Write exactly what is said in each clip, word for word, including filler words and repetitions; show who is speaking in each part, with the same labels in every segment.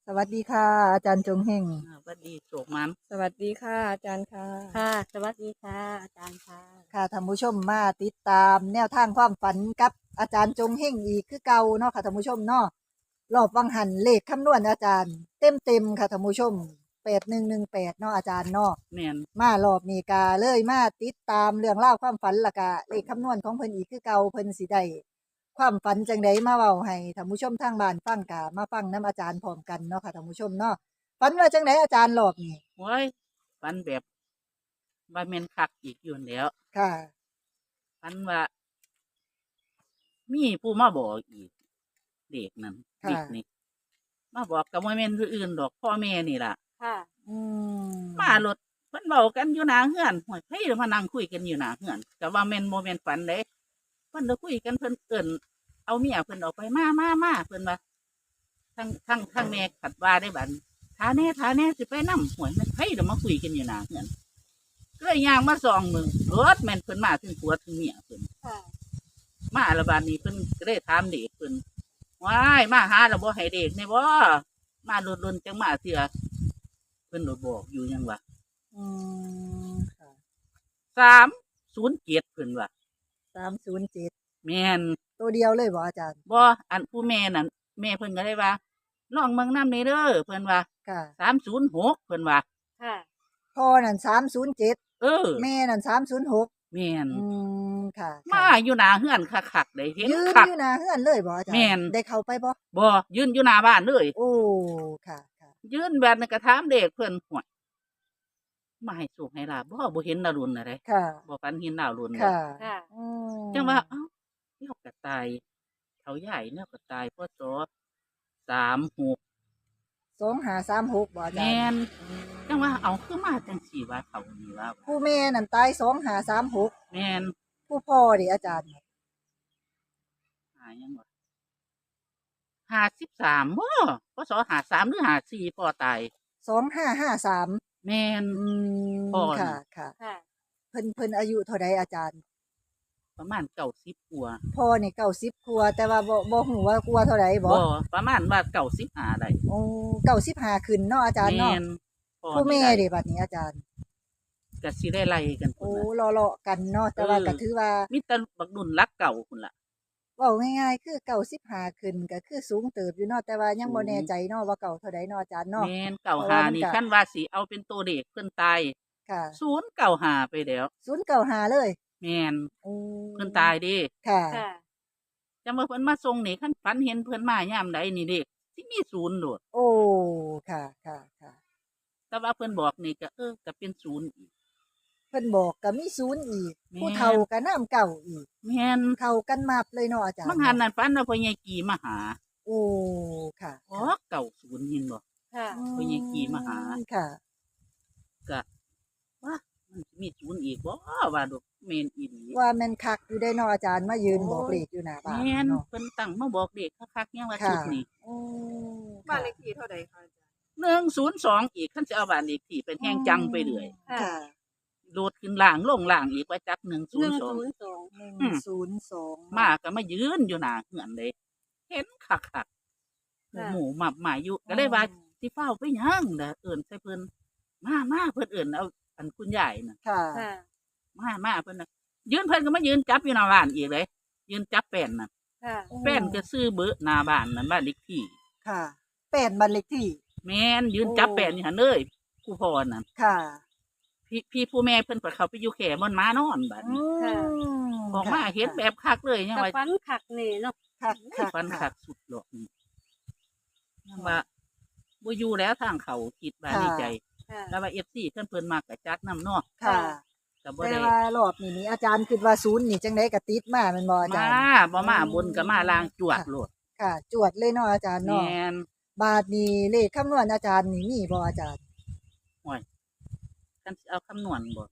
Speaker 1: สวัสดีค่ะอาจารย์จงเฮง
Speaker 2: อ่าหวัดดีโศกมัน
Speaker 3: สวัสดีค่ะอาจารย์ค่ะ
Speaker 4: ค่ะ สวัสดีค่ะ อาจารย์ค่ะ
Speaker 1: ค่ะท่านผู้ชมมาติดตามแนวทางความฝันกับอาจารย์จงเฮงอีกคือเก่าเนาะค่ะท่านผู้ชมเนาะรอบวังหันเลขคำนวณอาจารย์เต็มเต็มๆค่ะท่านผู้ชมแปดหนึ่งหนึ่งแปดเนาะอาจารย์เนาะ
Speaker 2: แม่น
Speaker 1: มารอบนี้กาเลยมาติดตามเรื่องเล่าวความฝันและกะเลขคำนวณของเพิ่นอีกคือเก่าเพิ่นสิได้ความฝันจังไดมาเว้าให้ท่านผู้ชมทางบ้านฟังกะมาฟังน้อาจารย์พร้อมกันเนาะค่ะท่านผู้ชมเนาะฝันว่าจังไดอาจารย์รอบนี้
Speaker 2: โอ้ยฝันแบบว่าแม่นคักอีกอยู่นั่นแหล้ว
Speaker 1: ค่ะ
Speaker 2: ฝันว่ามีผู้มาบอกอีกเด็กนั่น
Speaker 1: ค่ะ
Speaker 2: เด็กนี่มาบอกกับบ่แม่นผู้อื่นดอกพ่อแม่นี่ล่ะ
Speaker 4: ค่ะ
Speaker 1: อืม
Speaker 2: มารถเพิ่นเว้ากันอยู่หน้าเฮือนโอ้ยเฮ้ยมานั่งคุยกันอยู่หน้าเฮือนก็ว่าแม่นบ่แม่นฝันเด้เพิ่นจะคุยกันเพิ่นเอิ้นเอาเมียเพิ่นออกไปมามามาเพิ่นว่าทั้งทั้งทั้งแม่ขัดว่าได้บัดทาแน่ทาแน่สิไปนำหวยมันไผเดี๋ยวมาคุยกันอยู่หน้าเฮือนก็เลยย่างมาส่องมึงรถแม่นเพิ่นมาถึงผัวถึงเมียเพิ่น
Speaker 4: ค่ะ
Speaker 2: มาละบาดนี้เพิ่นก็ได้ถามเด็กเพิ่นว้ายมาหาแล้วบ่ให้เด็กแน่บ่มาลนๆจังมาเถื่อเพิ่นบ่บอกอยู่หยังวะ
Speaker 1: อืมค่ะ
Speaker 2: สามศูนย์เจ็ดเพิ่นว่า
Speaker 1: สามศูนย์เจ็ด
Speaker 2: แม่น
Speaker 1: ตัวเดียวเลยบ่อาจารย์
Speaker 2: บ่อันผู้แม่นั่นแม่เพิ่นก็ได้ว่าลองเบิ่งนำนี่เด้อเพิ่นว่า
Speaker 1: ค่ะ
Speaker 2: สามศูนย์หกเพิ่นว่า
Speaker 4: ค่ะ
Speaker 1: พ่อนั่นสามศูนย์เจ็ด
Speaker 2: เออ
Speaker 1: แม่นั่นสามศูนย์หก
Speaker 2: แม่น
Speaker 1: อืมค่ะ
Speaker 2: มาอยู่หน้าเฮือนคักๆได้เห็น
Speaker 1: ยืน
Speaker 2: คัก
Speaker 1: อยู่หน้าเฮือนเลยบ่อาจารย์
Speaker 2: แม่น
Speaker 1: ได้เข้าไปบ่
Speaker 2: บ่ยืนอยู่หน้าบ้านเลย
Speaker 1: โอ้ค่ะค่ะ
Speaker 2: ยืนแบบนั้นก็ถามเด็กเพิ่นหวยมาให้สุขให้ลาบบ่บ่เห็นดาวรุ่นน่ะเด้
Speaker 1: ค่ะ
Speaker 2: บ่ฝันเห็นดาวรุ่นเลย
Speaker 1: ค่ะ
Speaker 4: ค่ะ
Speaker 1: อืม
Speaker 2: จังว่าเอ้าเนาก็ตายเขาใหญ่เนาก็ตายพศสามหก
Speaker 1: สองห้าสามหกบ่อาจาร
Speaker 2: แม่
Speaker 1: ย์
Speaker 2: นจังว่าเอาคือมาจังสี่ว่าเขานี่ว่า
Speaker 1: ผู้แม่นั่นตายสองห้าสามหก
Speaker 2: แม่น
Speaker 1: ผู้พ่อดิอาจารย์
Speaker 2: หายังวะห้าสิบสามบ่พศห้าสามหรือห้าสี่พ่อตาย
Speaker 1: สองห้าห้าสาม
Speaker 2: แม่น
Speaker 1: อืม
Speaker 2: พ่อน่ะ
Speaker 1: ค่ะค่ะ
Speaker 4: ค่ะ
Speaker 1: เพิ่นเพิ่นอายุเท่าใดอาจารย์
Speaker 2: ประมาณเก้าสิบกว่า
Speaker 1: พ่อนี่เก้าสิบกว่าแต่ว่าบ่บ่ฮู้ว่ากว่าเท่าใดบ่
Speaker 2: บ่ประมาณว่าเก้าสิบห้าได้
Speaker 1: โอ้เก้าสิบห้าขึ้นเนาะอาจารย์
Speaker 2: แม่
Speaker 1: เนาะ
Speaker 2: นพ่อ
Speaker 1: ผู้แม่
Speaker 2: นี่
Speaker 1: เด้
Speaker 2: ได้
Speaker 1: บัดนี้อาจารย์
Speaker 2: ก็สิได้ไล่กันพุ่
Speaker 1: โอ้
Speaker 2: นน่ะ
Speaker 1: เลาะๆกันเนาะแต่ว่า
Speaker 2: เออ
Speaker 1: ก็ถือว่า
Speaker 2: มีแต่บักดุนรักเก่าพุ่นล่ะ
Speaker 1: เว้าง่ายๆคือเก้าสิบห้าขึ้นก็คือสูงเติบอยู่เนาะแต่ว่ายังบ่
Speaker 2: สูง
Speaker 1: แน่ใจเนาะว่าเก่าเท่าใดเนาะอาจารย์เนาะ
Speaker 2: แม่นเก่า
Speaker 1: เพราะ
Speaker 2: หา
Speaker 1: ว่ามัน
Speaker 2: นี่
Speaker 1: ก็
Speaker 2: คันว่าสิเอาเป็นตัวเด็กเพิ่นตาย
Speaker 1: ค่ะ
Speaker 2: ศูนย์เก่าหาไปแล้ว
Speaker 1: ศูนย์เก้าห้าเลย
Speaker 2: แม่น
Speaker 1: โอ้
Speaker 2: เพิ่นตายเดิ
Speaker 1: ค่ะ
Speaker 4: ค่ะ
Speaker 2: จังว่าเพิ่นมาส่งนี่คันฝันเห็นเพิ่นมายามใดนี่เด็กสิมีศูนย์โดด
Speaker 1: โอ้ค่ะค่ะค่ะ
Speaker 2: แต่ว่าเพิ่นบอกนี่ก็เออก็เป็นศูนย์อีก
Speaker 1: เพิ่นบอกก็มีศูนย์อีก
Speaker 2: แม่น
Speaker 1: ผู้เฒ่าก็นำเก่าอีก
Speaker 2: แม่น
Speaker 1: เข้ากันมับเลยเนาะอาจารย์
Speaker 2: บางหันนั่นฝันว่าพ่อใหญ่กีมาหา
Speaker 1: โอ้ค่ะ
Speaker 2: อ๋อเก่าศูนย์ยินบ่
Speaker 4: ค่ะ
Speaker 2: พ่อใหญ่กีมาหา
Speaker 1: ค่ะ
Speaker 2: ก็ว่ามันสิมีศูนย์อีกบ่ว่าดอกแม่นอีหลี
Speaker 1: ว่าแม่นคักอยู่ได้เนาะอาจารย์มายืนบอกเลขอยู่หน้าบ้าน
Speaker 2: แม่น
Speaker 1: เนาะ
Speaker 2: เพิ่นตั้งมาบอกเด็กคักๆยังว่า
Speaker 1: ค่ะ
Speaker 2: ชุดนี้
Speaker 1: โอ้
Speaker 3: บ้าน
Speaker 1: ค่ะ
Speaker 3: เลขที่เท่าใดคะอาจารย์
Speaker 2: หนึ่งศูนย์สองอีกคันสิเอาบ้านเลขที่เป็นแห่งจังไปเรื่อย
Speaker 4: ค่ะ
Speaker 1: ค่ะ
Speaker 2: โลดขึ้นล่างลงล่างอีกว่าจักหนึ่งศู
Speaker 4: ห
Speaker 2: น
Speaker 4: นึ่ง
Speaker 2: ย์สอง
Speaker 4: ศูนย์สอง
Speaker 1: หนึ่ง
Speaker 2: อืม
Speaker 1: ศูนย์สอง
Speaker 2: มาก็มายืนอยู่หน้าเฮือนเลย เห็นคักคักๆ
Speaker 4: ค่ะ
Speaker 2: หมูหมับหมายอยู่ก็เลยว่าสิเฝ้าไปหยังเด้อเอิ้นใส่เพิ่นมามาเพิ่นเอิ้นเอาอันคุณยายน่ะ
Speaker 1: ค่ะ
Speaker 4: ค่ะ
Speaker 2: มามาเพิ่นน่ะยืนเพิ่นก็มายืนจับอยู่หน้าบ้านอีกเลยยืนจับแป้นน่ะ
Speaker 4: ค่ะ
Speaker 2: แป้นก็ซื้อเบอร์หน้าบ้านนั่นบ้านเลขที่
Speaker 1: ค่ะแปดบันเลขที่
Speaker 2: แม่นยืนจับแป้นอยู่หั่นเลยผู้พ่อนั่น
Speaker 1: ค่ะ
Speaker 2: พี่พี่ผู้แม่เพิ่นก็เข้าไปอยู่แค่บนม้านอนบัดนี้
Speaker 4: ค่ะ
Speaker 2: ออกมาเห็นแบบคักเลยยัง
Speaker 4: กับ
Speaker 2: ว่า
Speaker 4: ฟันขักนี่เนาะ
Speaker 1: ค่ะค่ะ
Speaker 2: ฟันคักสุดหรอกนี่ยังว่าบ่อยู่แล้วทางเขาคิดว่าในใจ
Speaker 4: ค่ะ
Speaker 2: แล้วว่า เอฟ ซี เพิ่นเพิ่นมากกะจัดนำเนาะ
Speaker 1: ค่ะ
Speaker 2: ก็บ่
Speaker 1: แต่
Speaker 2: ได้
Speaker 1: ว่ารอบนี้นี่อาจารย์คิดว่าศูนย์นี่จังไดก็ติดมาแม่นบ่อาจารย์
Speaker 2: มาบ่มาบนก็มาล่างจวดโลด
Speaker 1: ค่ะ จวดเลยเนาะอาจารย์
Speaker 2: แม
Speaker 1: เนาะ
Speaker 2: น
Speaker 1: บาทนี้เลขคำนวณอาจารย์นี่มีบ่อาจารย์
Speaker 2: โอ้ยคันสิเอาคำนวณบ่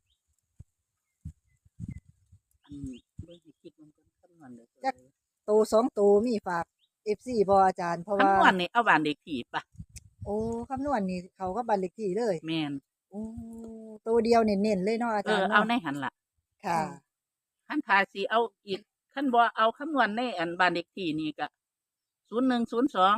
Speaker 2: อันนี้เบิ่งให้คิดมันก่อนคำนวณเด้อ
Speaker 1: โตสองโตมีฝาก เอฟ ซี บ่อาจารย์เพราะว่า
Speaker 2: คำนวณนี่เอาบ้านเลขที่ปะ
Speaker 1: โอ้คำนวณนี่เขาก็บัตรเลขที่เลย
Speaker 2: แม่น
Speaker 1: โอ้ตัวเดียวเน้นๆเลยเนาะอา
Speaker 2: เอ
Speaker 1: จาร
Speaker 2: อ
Speaker 1: ย์
Speaker 2: เอา
Speaker 1: เนาะ
Speaker 2: ในหันล่ะ
Speaker 1: ค่ะ
Speaker 2: คันถ้าสิเอาอีกคันบ่เอาคำนวณในอันบ้านเลขที่นี่ก็ศูนย์หนึ่งศูนย์สอง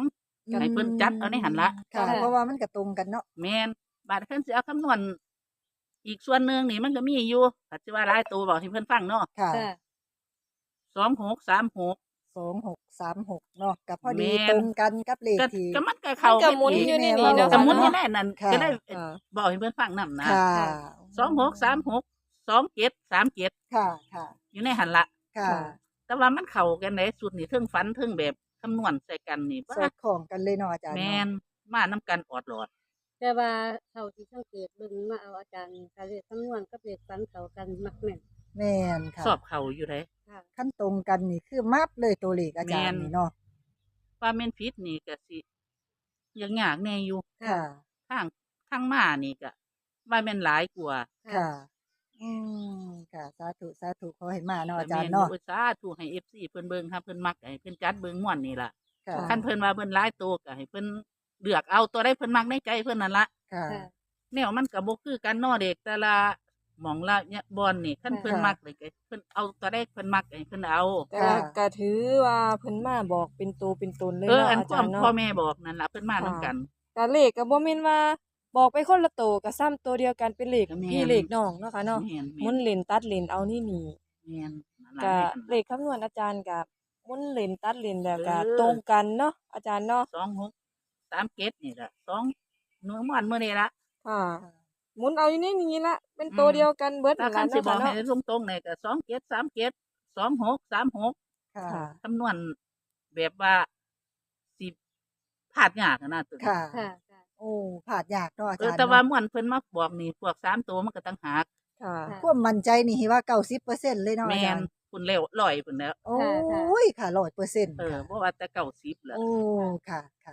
Speaker 2: ให้เพิ่นจัดเอาในหันละ
Speaker 1: ค่ะ เพราะว่ามันก็ตรงกันเนาะ
Speaker 2: แม่นบาดเพิ่นสิเอาคำนวณอีกส่วนหนึ่งนี่มันก็มีอยู่ถ้าสิว่าหลายตัวบอกให้เพิ่นฟังเนาะ
Speaker 1: ค่ะ
Speaker 4: ค่ะ
Speaker 2: สองหกสามหก
Speaker 1: สองหกสามหกเนาะก็พอดี
Speaker 2: แม่น
Speaker 1: ตรงกันกับเลข
Speaker 2: ก็
Speaker 1: ที่
Speaker 2: ก็มันก็เข้า
Speaker 3: มันก็หมุน
Speaker 2: กั
Speaker 3: อยู่ใน
Speaker 1: แม่
Speaker 3: นี้
Speaker 1: ว่า
Speaker 3: เนาะ
Speaker 2: ก็
Speaker 3: ค่ะ
Speaker 2: หมุนอยู่
Speaker 3: เนาะ
Speaker 2: ในนั้น
Speaker 1: ค่ะ
Speaker 2: ก็ได้
Speaker 3: ค่ะ
Speaker 2: บอกให้เพิ่นฟังนำนะ
Speaker 1: ค่ะ
Speaker 2: สองหกสามหกสองเจ็ดสามเจ็ด
Speaker 1: ค่ะค่ะ
Speaker 2: อยู่ในหันละ
Speaker 1: ค่ะ
Speaker 2: แต่ว่ามันเข้ากันในสุดนี่เทิงฝันเทิงแบบคำนวณใส่กันนี่
Speaker 1: สอดคล้องกันเลยเนาะอาจารย์
Speaker 2: แม่น
Speaker 1: เนาะ
Speaker 2: มานํกันออดหลอด
Speaker 4: แต่ว่าเท่าที่สังเกตเบิ่งมาเอาอาจารย์การเรียนคำนวณกับเลขฝันเข้ากันมักแม่น
Speaker 1: แม่นค่ะ
Speaker 2: สอบเข้าอยู่เลย
Speaker 4: ค่ะ
Speaker 1: ขั้นตรงกันนี่คือมับเลยตัวเลขอาจารย์
Speaker 2: แม่น
Speaker 1: นี่เนาะ
Speaker 2: ว่าแม่นผิดนี่ก็สิยังยากแน่อยู่
Speaker 1: ค่ะ
Speaker 2: ทางทางมานี่ก็ว่าแม่นหลายกว่า
Speaker 1: ค่ะ อืมค่ะ สาธุสาธุขอให้มาเนาะอาจารย์
Speaker 2: แต่แม่
Speaker 1: เนาะ
Speaker 2: อุตสาธุให้ เอฟ ซี เพิ่นเบิ่งครับเพิ่นมักให้เพิ่นจัดเบิ่งม่วนนี่ล่ะ
Speaker 1: ค่ะ
Speaker 2: คันเพิ่นว่าเพิ่นหลายตัวก็ให้เพิ่นเลือกเอาตัวใดเพิ่นมักในใจเพิ่นนั่นล่ะ
Speaker 1: ค่ะ
Speaker 4: ค่ะ
Speaker 2: แนวมันก็บ่คือกันเนาะเด็กแต่ละหม่องละเนี่ยบอนนี่คันเพิ่น
Speaker 1: ค่ะ
Speaker 2: มักเลยก็เพิ่นเอาตัวใดเพิ่นมักให้เพิ่นเอา
Speaker 3: แต่
Speaker 1: ค่ะ
Speaker 3: ว่าก็ถือว่าเพิ่นมาบอกเป็นตัวเป็นตนเลย
Speaker 2: เออ
Speaker 3: เนาะ
Speaker 2: อัน
Speaker 3: อา
Speaker 2: ค
Speaker 3: จา
Speaker 2: วาร ม
Speaker 3: ย์เนาะ
Speaker 2: พ่อแม่บอกนั่นล่ะเพิ่นมานํกัน
Speaker 3: ก็เลขก็บ่แม่นว่าบอกไปคนละโตวก็ซ้ำตัวเดียวกันเป็นเลข
Speaker 2: ก็แม่น
Speaker 3: พี่เลขน้องเนาะค่ะเนาะ
Speaker 2: แม่น
Speaker 3: หมุนเลนตัดเลนเอานี่นี่
Speaker 2: แม่นนั่นล่ะ
Speaker 3: ก็
Speaker 2: แม่น
Speaker 3: เลขคำนวณอาจารย์ก็หมุนเลนตัดเลนแล้วก็
Speaker 2: เออ
Speaker 3: ตรงกันเนาะอาจารย์เนาะ
Speaker 2: สองหกสามเจ็ดนี่ล่ะสองหนูม่วนมื้อนี้ล่ะ
Speaker 3: ค่ะหมุนเอาอยู่ในนี้ละเป็นตัวเดียวกันเบิด
Speaker 2: ถ้า
Speaker 3: นั่น
Speaker 2: คัน
Speaker 3: ล่ะ
Speaker 2: สิ
Speaker 3: เนาะ
Speaker 2: บอ
Speaker 3: ค่ะ
Speaker 2: กให้
Speaker 3: เนาะ
Speaker 2: ตรงๆเนี่ยก็สองเจ็ดสามเจ็ดสองหกสามหก
Speaker 1: ค่ะ
Speaker 3: ค่ะ
Speaker 2: คำนวณแบบว่าสิพลาดยากอะนะตัวนี้
Speaker 1: ค่ะ
Speaker 4: ค่ะ ค่ะ
Speaker 1: โอ้ผาดยากเนาะอา
Speaker 2: เอ
Speaker 1: จา
Speaker 2: อ
Speaker 1: รย์
Speaker 2: แต่ว่า
Speaker 1: เนาะ
Speaker 2: ม่วนเพิ่นมาบอกนี่พวกสามตัวมันก็ต่างหาก
Speaker 3: ค่ะ
Speaker 4: ค่ะ
Speaker 1: ความมั่นใจนี่ว่าเก้าสิบเปอร์เซ็นต์เลยเนาะอา
Speaker 2: แม่
Speaker 1: จาน รย์
Speaker 2: คุณเร็วร้อยพุ่นแล้ว
Speaker 1: โอ้ยค่ะร้อยเปอร์เซ็นต์
Speaker 2: เออ
Speaker 1: ค่ะ
Speaker 2: บ่ว่าแต่เก้าสิบแล้ว
Speaker 1: โอ้ค่ะค่ะ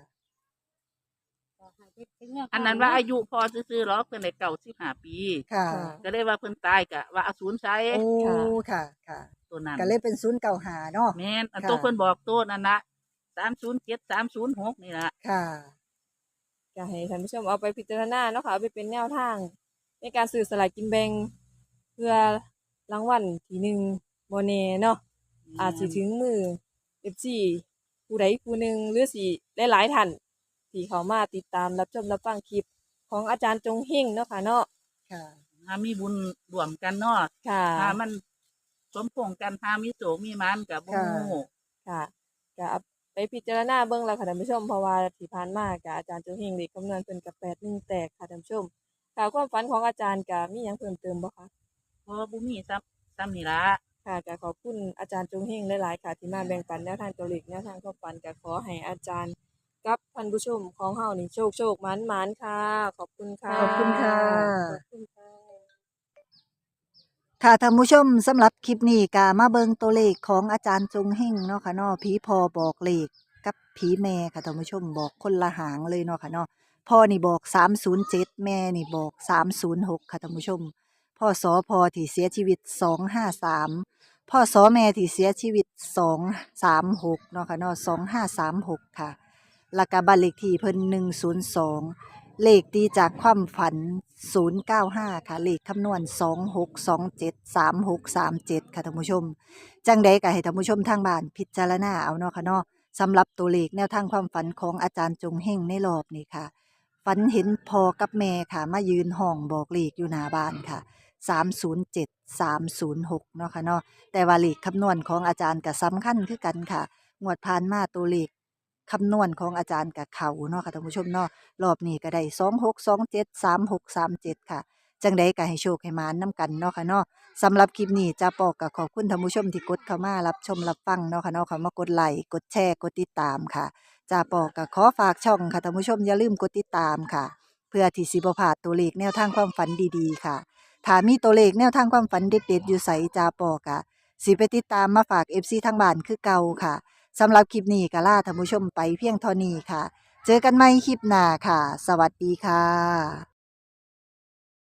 Speaker 2: อันนั้นว่าอายุพอซื่อๆหรอกเพิ่นได้เก้าสิบห้าปี
Speaker 1: ค่ะ
Speaker 3: ค่ะ
Speaker 2: ก็เลยว่าเพิ่นตายก็ว่าเอาศูนย์ใช้
Speaker 1: โอ้
Speaker 3: ค่ะ
Speaker 1: ค่ะค่ะ
Speaker 2: ตัวนั้น
Speaker 1: ก็เลยเป็นศูนย์เก่าหาเนาะ
Speaker 2: แม่นอัน
Speaker 1: ค่ะ
Speaker 2: ตัวเพิ่นบอกตัวนั่นน่ะสามศูนย์เจ็ด สามศูนย์หกนี่ล่ะ
Speaker 1: ค่ะ
Speaker 3: ก็ให้ท่านผู้ชมเอาไปพิจารณาเนาะค่ะเอาไปเป็นแนวทาง ในการซื้อสลากกินแบ่งเพื่อรางวัลที่หนึ่งบ่แน่เนาะอาจสิถึงมือ เอฟ ซี ผู้ใดผู้หนึ่งหรือสิหลายๆท่านที่เข้ามาติดตามรับชมรับฟังคลิปของอาจารย์จงเฮงเนาะค่ะเนาะ
Speaker 1: ค่ะ
Speaker 2: หามีบุญร่วมกันเนาะ
Speaker 3: ค่ะ
Speaker 2: ถ้ามันสมพงษ์กันหามีโศกมีมันก็บ่
Speaker 1: ค่ะ
Speaker 2: ฮู้
Speaker 3: ค่ะก็เอาไปพิจารณาเบิ่งแล้วค่ะท่านผู้ชมเพราะว่าที่ผ่านมาก็อาจารย์จงเฮงเลขคำนวณเพิ่นก็แปดหนึ่งแตกค่ะท่านผู้ชมค่ะความฝันของอาจารย์ก็มีหยังเพิ่มเติมบ่คะ
Speaker 2: เพราะว่าบ่มีซ้ำซ้ำนี่ล่ะ
Speaker 3: ค่ะก็ขอบคุณอาจารย์จงเฮงหลายๆค่ะที่มาแบ่งปันแนวทางตัวเลขแนวทางความฝันก็ขอให้อาจารย์กับท่านผู้ชมของเฮานี่โชคโชคหมานหมานค่ะ ขอบคุณค่ะ
Speaker 1: ขอบคุณค่ะ
Speaker 4: ขอบคุณค่ะ
Speaker 1: ค่ะท่านผู้ชมสำหรับคลิปนี้ก็มาเบิงตัวเลขของอาจารย์จงเฮงเนาะค่ะเนาะผีพอบอกเลขกับผีแม่ค่ะท่านผู้ชมบอกคนละหางเลยเนาะค่ะเนาะพ่อนี่บอกสามศูนย์เจ็ดแม่นี่บอกสามศูนย์หกค่ะท่านผู้ชมพ่อสอพอที่เสียชีวิตสองห้าสามพ่อสอแม่ที่เสียชีวิตสองสามหกเนาะค่ะเนาะสองห้าสามหกค่ะแล้วก็บ้านเลขที่เพิ่นหนึ่งศูนย์สองเลขตีจากความฝันศูนย์เก้าห้าค่ะเลขคำนวณสองหกสองเจ็ดสามหกสามเจ็ดค่ะท่านผู้ชม จังใดก็ให้ท่านผู้ชมทางบ้านพิจารณาเอาเนาะค่ะเนาะสำหรับตัวเลขแนวทางความฝันของอาจารย์จงเฮงในรอบนี้ค่ะ ฝันเห็นพ่อกับแม่ค่ะ มายืนห้องบอกเลขอยู่หน้าบ้านค่ะสามศูนย์เจ็ด สามศูนย์หกเนาะค่ะเนาะแต่ว่าเลขคำนวณของอาจารย์ก็สำคัญคือกันค่ะงวดผ่านมาตัวเลขคำนวณของอาจารย์กับเขาเนาะค่ะท่านผู้ชมเนาะรอบนี้ก็ได้สองหกสองเจ็ดสามหกสามเจ็ดค่ะ จังใดก็ให้โชคให้หมานำกันเนาะค่ะเนาะสำหรับคลิปนี้จ้าปอกก็ขอบคุณท่านผู้ชมที่กดเข้ามารับชมรับฟังเนาะค่ะเนาะเขามากดไลค์กดแชร์กดติดตามค่ะจ้าปอกก็ขอฝากช่องค่ะท่านผู้ชมอย่าลืมกดติดตามค่ะ เพื่อที่สิบ่พลาดตัวเลขแนวทางความฝันดีๆค่ะถ้ามีตัวเลขแนวทางความฝันเด็ดๆอยู่ไสจ้าปอกะสิไปติดตามมาฝาก เอฟ ซี ทางบ้านคือเก่าค่ะสำหรับคลิปนี้ก็ลาท่านผู้ชมไปเพียงเท่านี้ค่ะ เจอกันใหม่คลิปหน้าค่ะ สวัสดีค่ะ